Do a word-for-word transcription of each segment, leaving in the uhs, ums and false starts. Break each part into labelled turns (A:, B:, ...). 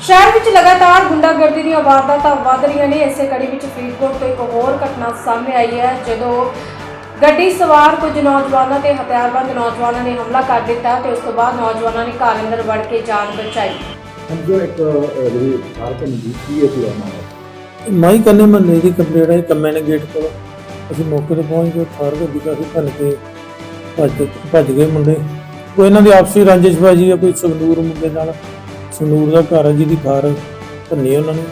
A: ਸ਼ਹਿਰ ਵਿੱਚ ਲਗਾਤਾਰ ਗੁੰਡਾਗਰਦੀ ਦੀਆਂ ਵਾਰਦਾਤਾਂ ਵਧ ਰਹੀਆਂ ਨੇ। ਇਸੇ ਕੜੀ ਵਿੱਚ ਫਰੀਦਕੋਟ ਤੋਂ ਇੱਕ ਹੋਰ ਘਟਨਾ ਸਾਹਮਣੇ ਆਈ ਹੈ, ਜਦੋਂ ਗੱਡੀ ਸਵਾਰ ਕੁਝ ਨੌਜਵਾਨਾਂ ਤੇ ਹਥਿਆਰਬੰਦ ਨੌਜਵਾਨਾਂ ਨੇ ਹਮਲਾ ਕਰ ਦਿੱਤਾ ਤੇ ਉਸ ਤੋਂ ਬਾਅਦ ਨੌਜਵਾਨਾਂ ਨੇ ਘਰ ਅੰਦਰ ਵੜ ਕੇ ਜਾਨ ਬਚਾਈ।
B: ਅੰਦਰ ਇੱਕ ਜਿਹੜੀ ਫਾਰਕਨ ਜੀਤੀ ਹੈ ਪੂਰਾ ਮਾਮਲਾ
C: ਮਾਈ ਕੰਨੇ ਮਹੱਲੇ ਦੀ ਕੰਪਲੇਂਟ ਹੈ ਕੰਮੇ ਨੇ ਗੇਟ ਕੋਲ। ਅਸੀਂ ਮੌਕੇ ਤੇ ਪਹੁੰਚ ਕੇ ਥਾਰ ਗੱਡੀ ਕਾਫੀ ਭੰਨ ਕੇ ਭੱਜ ਭੱਜ ਗਏ ਮੁੰਡੇ। ਕੋਈ ਇਹਨਾਂ ਦੀ ਆਪਸੀ ਰੰਜਿਸ਼ਬਾਜੀ ਹੈ, ਕੋਈ ਸੰਗਨੂਰ ਮੁੰਡੇ ਨਾਲ, ਸੰਗਨੂਰ ਦਾ ਘਰ ਹੈ ਜਿਹਦੀ ਥਾਰ ਭੰਨੀ ਉਹਨਾਂ ਨੇ।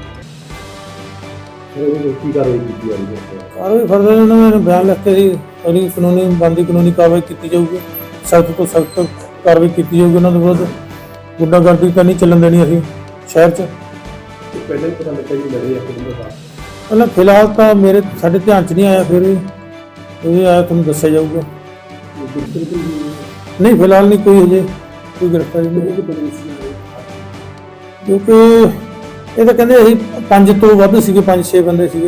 B: ਉਹ ਕੀ ਕਾਰਵਾਈ ਕੀਤੀ ਜਾ ਰਹੀ ਹੈ?
C: ਕਾਰਵਾਈ ਫਰਦਰ ਉਹਨਾਂ ਨੇ ਬਿਆਨ ਲਿਖ ਕੇ ਜੀ ਅਗਲੀ ਕਾਨੂੰਨੀ ਬੰਦੀ ਕਾਨੂੰਨੀ ਕਾਰਵਾਈ ਕੀਤੀ ਜਾਊਗੀ। ਸਖਤ ਤੋਂ ਸਖਤ ਕਾਰਵਾਈ ਕੀਤੀ ਜਾਊਗੀ ਉਹਨਾਂ ਦੇ ਵਿਰੁੱਧ। ਗੁੰਡਾਗਰਦੀ ਤਾਂ ਨਹੀਂ ਚੱਲਣ ਦੇਣੀ ਅਸੀਂ ਸ਼ਹਿਰ 'ਚ।
B: ਪਹਿਲਾਂ ਹੀ ਪਤਾ ਲੱਗਾ ਜੀ ਲੜੇ ਇੱਕ ਦਿਨ ਬਾਅਦ
C: ਪਹਿਲਾਂ ਫਿਲਹਾਲ ਤਾਂ ਮੇਰੇ ਸਾਡੇ ਧਿਆਨ 'ਚ ਨਹੀਂ ਆਇਆ, ਫਿਰ ਵੀ ਇਹ ਆਇਆ ਤੁਹਾਨੂੰ ਦੱਸਿਆ ਜਾਊਗਾ। ਨਹੀਂ ਫਿਲਹਾਲ ਨਹੀਂ ਕੋਈ ਹਜੇ ਕੋਈ ਗ੍ਰਿਫਤਾਰੀ ਨਹੀਂ, ਕਿਉਂਕਿ ਇਹ ਤਾਂ ਕਹਿੰਦੇ ਅਸੀਂ ਪੰਜ ਤੋਂ ਵੱਧ ਸੀਗੇ, ਪੰਜ ਛੇ ਬੰਦੇ ਸੀਗੇ।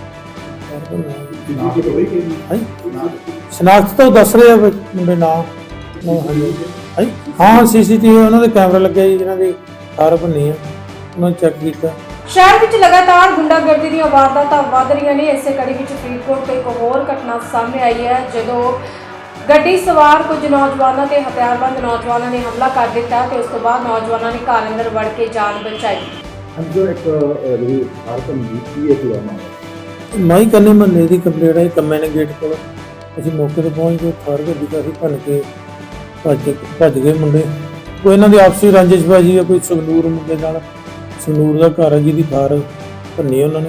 C: ਸ਼ਨਾਖਤ ਤਾਂ ਉਹ ਦੱਸ ਰਹੇ ਆ ਵੀ ਮੁੰਡੇ ਨਾਂ ਹਾਂਜੀ ਹਾਂ ਸੀ ਸੀ ਟੀ ਵੀ ਉਹਨਾਂ ਦੇ ਕੈਮਰਾ ਲੱਗਿਆ ਜੀ ਜਿਹਨਾਂ ਦੀ ਕਾਰ ਭੰਨੀ ਆ, ਉਹਨਾਂ ਨੇ ਚੈੱਕ ਕੀਤਾ।
A: ਸ਼ਹਿਰ ਵਿੱਚ ਲਗਾਤਾਰ ਗੁੰਡਾਗਰਦੀ ਦੀਆਂ ਵਾਰਦਾਤਾਂ ਵਧ ਰਹੀਆਂ ਨੇ। ਇਸੇ ਕੜੀ ਵਿੱਚ ਫਰੀਦਕੋਟ ਤੋਂ ਇੱਕ ਹੋਰ ਘਟਨਾ ਸਾਹਮਣੇ ਆਈ ਹੈ, ਜਦੋਂ ਗੱਡੀ ਸਵਾਰ ਕੁਝ ਨੌਜਵਾਨਾਂ ਤੇ ਹਥਿਆਰਬੰਦ ਨੌਜਵਾਨਾਂ ਨੇ ਹਮਲਾ ਕਰ ਦਿੱਤਾ ਤੇ ਉਸ ਤੋਂ ਬਾਅਦ ਨੌਜਵਾਨਾਂ ਨੇ ਘਰ ਅੰਦਰ ਵੜ ਕੇ ਜਾਨ ਬਚਾਈ।
B: ਅੰਦਰ ਇੱਕ ਜਿਹੜੀ ਫਾਰਕਨ ਜੀਤੀ ਹੈ ਪੂਰਾ ਮਾਮਲਾ
C: ਮਾਈ ਕੰਨੇ ਮਹੱਲੇ ਦੀ ਕੰਪਲੇਂਟ ਹੈ ਕੰਮੇ ਨੇ ਗੇਟ ਕੋਲ। ਅਸੀਂ ਮੌਕੇ ਤੇ ਪਹੁੰਚ ਕੇ ਥਾਰ ਗੱਡੀ ਕਾਫੀ ਭੰਨ ਕੇ ਭੱਜ ਭੱਜ ਗਏ ਮੁੰਡੇ। ਕੋਈ ਇਹਨਾਂ ਦੀ ਆਪਸੀ ਰੰਜਿਸ਼ਬਾਜੀ ਹੈ, ਕੋਈ ਸੰਗਨੂਰ ਮੁੰਡੇ ਨਾਲ, ਸੰਗਨੂਰ ਦਾ ਘਰ ਹੈ ਜਿਹਦੀ ਥਾਰ ਭੰਨੀ ਉਹਨਾਂ ਨੇ।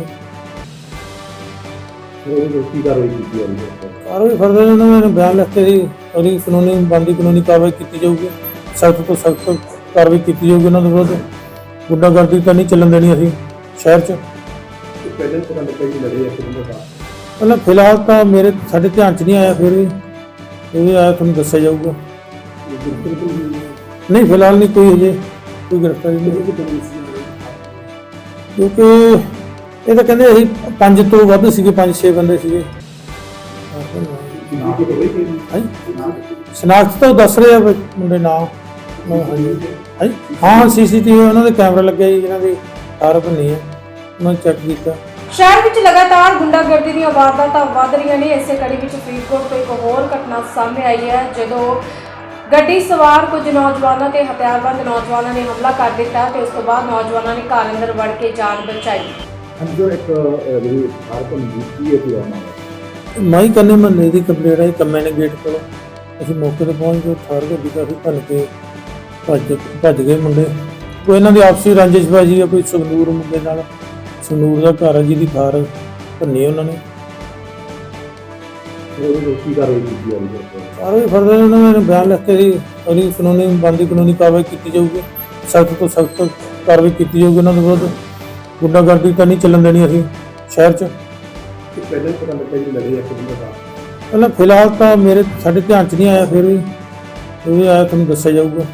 B: ਉਹ ਕੀ ਕਾਰਵਾਈ ਕੀਤੀ ਜਾ ਰਹੀ ਹੈ?
C: ਕਾਰਵਾਈ ਫਰਦਰ ਉਹਨਾਂ ਨੇ ਬਿਆਨ ਲਿਖ ਕੇ ਜੀ ਅਗਲੀ ਕਾਨੂੰਨੀ ਬੰਦੀ ਕਾਨੂੰਨੀ ਕਾਰਵਾਈ ਕੀਤੀ ਜਾਊਗੀ। ਸਖਤ ਤੋਂ ਸਖਤ ਕਾਰਵਾਈ ਕੀਤੀ ਜਾਊਗੀ ਉਹਨਾਂ ਦੇ ਵਿਰੁੱਧ। ਗੁੰਡਾਗਰਦੀ ਤਾਂ ਨਹੀਂ ਚੱਲਣ ਦੇਣੀ ਅਸੀਂ ਸ਼ਹਿਰ 'ਚ।
B: ਪਹਿਲਾਂ ਹੀ ਪਤਾ ਲੱਗਾ ਜੀ ਲੜੇ ਇੱਕ ਦਿਨ ਬਾਅਦ
C: ਪਹਿਲਾਂ ਫਿਲਹਾਲ ਤਾਂ ਮੇਰੇ ਸਾਡੇ ਧਿਆਨ 'ਚ ਨਹੀਂ ਆਇਆ, ਫਿਰ ਵੀ ਇਹ ਆਇਆ ਤੁਹਾਨੂੰ ਦੱਸਿਆ ਜਾਊਗਾ। ਨਹੀਂ ਫਿਲਹਾਲ ਨਹੀਂ ਕੋਈ ਹਜੇ ਕੋਈ ਗ੍ਰਿਫਤਾਰੀ ਨਹੀਂ, ਕਿਉਂਕਿ ਇਹ ਤਾਂ ਕਹਿੰਦੇ ਅਸੀਂ ਪੰਜ ਤੋਂ ਵੱਧ ਸੀਗੇ, ਪੰਜ ਛੇ ਬੰਦੇ ਸੀਗੇ। ਸ਼ਨਾਖਤ ਤਾਂ ਉਹ ਦੱਸ ਰਹੇ ਆ ਵੀ ਮੁੰਡੇ ਨਾਂ ਹਾਂਜੀ ਹਾਂ ਸੀ ਸੀ ਟੀ ਵੀ ਉਹਨਾਂ ਦੇ ਕੈਮਰਾ ਲੱਗਿਆ ਜੀ ਜਿਹਨਾਂ ਦੀ ਕਾਰ ਭੰਨੀ ਆ, ਉਹਨਾਂ ਨੇ ਚੈੱਕ ਕੀਤਾ।
A: ਸ਼ਹਿਰ ਵਿੱਚ ਲਗਾਤਾਰ ਗੁੰਡਾਗਰਦੀ ਦੀਆਂ ਵਾਰਦਾਤਾਂ ਵਧ ਰਹੀਆਂ ਨੇ। ਇਸੇ ਕੜੀ ਵਿੱਚ ਫਰੀਦਕੋਟ ਤੋਂ ਇੱਕ ਹੋਰ ਘਟਨਾ ਸਾਹਮਣੇ ਆਈ ਹੈ, ਜਦੋਂ ਗੱਡੀ ਸਵਾਰ ਕੁਝ ਨੌਜਵਾਨਾਂ ਤੇ ਹਥਿਆਰਬੰਦ ਨੌਜਵਾਨਾਂ ਨੇ ਹਮਲਾ ਕਰ ਦਿੱਤਾ ਤੇ ਉਸ ਤੋਂ ਬਾਅਦ ਨੌਜਵਾਨਾਂ ਨੇ ਘਰ ਅੰਦਰ ਵੜ ਕੇ ਜਾਨ ਬਚਾਈ।
B: ਅੰਦਰ ਇੱਕ ਜਿਹੜੀ ਫਾਰਕਨ ਜੀਤੀ ਹੈ ਪੂਰਾ ਮਾਮਲਾ
C: ਮਾਈ ਕੰਨੇ ਮਹੱਲੇ ਦੀ ਕੰਪਲੇਂਟ ਹੈ ਕੰਮੇ ਨੇ ਗੇਟ ਕੋਲ। ਅਸੀਂ ਮੌਕੇ ਤੇ ਪਹੁੰਚ ਕੇ ਥਾਰ ਗੱਡੀ ਕਾਫੀ ਭੰਨ ਕੇ ਭੱਜ ਭੱਜ ਗਏ ਮੁੰਡੇ। ਕੋਈ ਇਹਨਾਂ ਦੀ ਆਪਸੀ ਰੰਜਿਸ਼ਬਾਜੀ ਹੈ, ਕੋਈ ਸੰਗਨੂਰ ਮੁੰਡੇ ਨਾਲ, ਸੰਗਨੂਰ ਦਾ ਘਰ ਹੈ ਜਿਹਦੀ ਥਾਰ ਭੰਨੀ ਉਹਨਾਂ ਨੇ।
B: ਉਹ ਕੀ ਕਾਰਵਾਈ ਕੀਤੀ ਜਾ ਰਹੀ ਹੈ?
C: ਕਾਰਵਾਈ ਫਰਦਰ ਉਹਨਾਂ ਨੇ ਬਿਆਨ ਲਿਖ ਕੇ ਜੀ ਅਗਲੀ ਕਾਨੂੰਨੀ ਬੰਦੀ ਕਾਨੂੰਨੀ ਕਾਰਵਾਈ ਕੀਤੀ ਜਾਊਗੀ। ਸਖਤ ਤੋਂ ਸਖਤ ਕਾਰਵਾਈ ਕੀਤੀ ਜਾਊਗੀ ਉਹਨਾਂ ਦੇ ਵਿਰੁੱਧ। ਗੁੰਡਾਗਰਦੀ ਤਾਂ ਨਹੀਂ ਚੱਲਣ ਦੇਣੀ ਅਸੀਂ ਸ਼ਹਿਰ 'ਚ।
B: ਪਹਿਲਾਂ ਹੀ ਪਤਾ ਲੱਗਾ ਜੀ ਲੜੇ ਇੱਕ ਦਿਨ ਬਾਅਦ
C: ਪਹਿਲਾਂ ਫਿਲਹਾਲ ਤਾਂ ਮੇਰੇ ਸਾਡੇ ਧਿਆਨ 'ਚ ਨਹੀਂ ਆਇਆ, ਫਿਰ ਵੀ ਇਹ ਆਇਆ ਤੁਹਾਨੂੰ ਦੱਸਿਆ ਜਾਊਗਾ।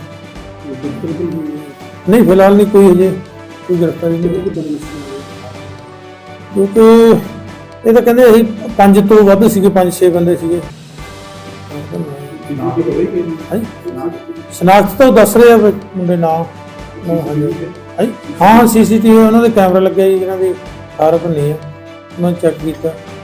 C: ਨਹੀਂ ਫਿਲਹਾਲ ਨਹੀਂ ਕੋਈ ਹਜੇ ਕੋਈ ਗ੍ਰਿਫਤਾਰੀ ਨਹੀਂ, ਕਿਉਂਕਿ ਇਹ ਤਾਂ ਕਹਿੰਦੇ ਅਸੀਂ ਪੰਜ ਤੋਂ ਵੱਧ ਸੀਗੇ, ਪੰਜ ਛੇ ਬੰਦੇ ਸੀਗੇ। ਸ਼ਨਾਖਤ ਤਾਂ ਉਹ ਦੱਸ ਰਹੇ ਆ ਵੀ ਮੁੰਡੇ ਨਾਂ ਹਾਂਜੀ ਹਾਂ ਸੀ ਸੀ ਟੀ ਵੀ ਉਹਨਾਂ ਦੇ ਕੈਮਰਾ ਲੱਗਿਆ ਜੀ ਜਿਹਨਾਂ ਦੀ ਕਾਰ ਭੰਨੀ ਆ, ਉਹਨਾਂ ਨੇ ਚੈੱਕ ਕੀਤਾ।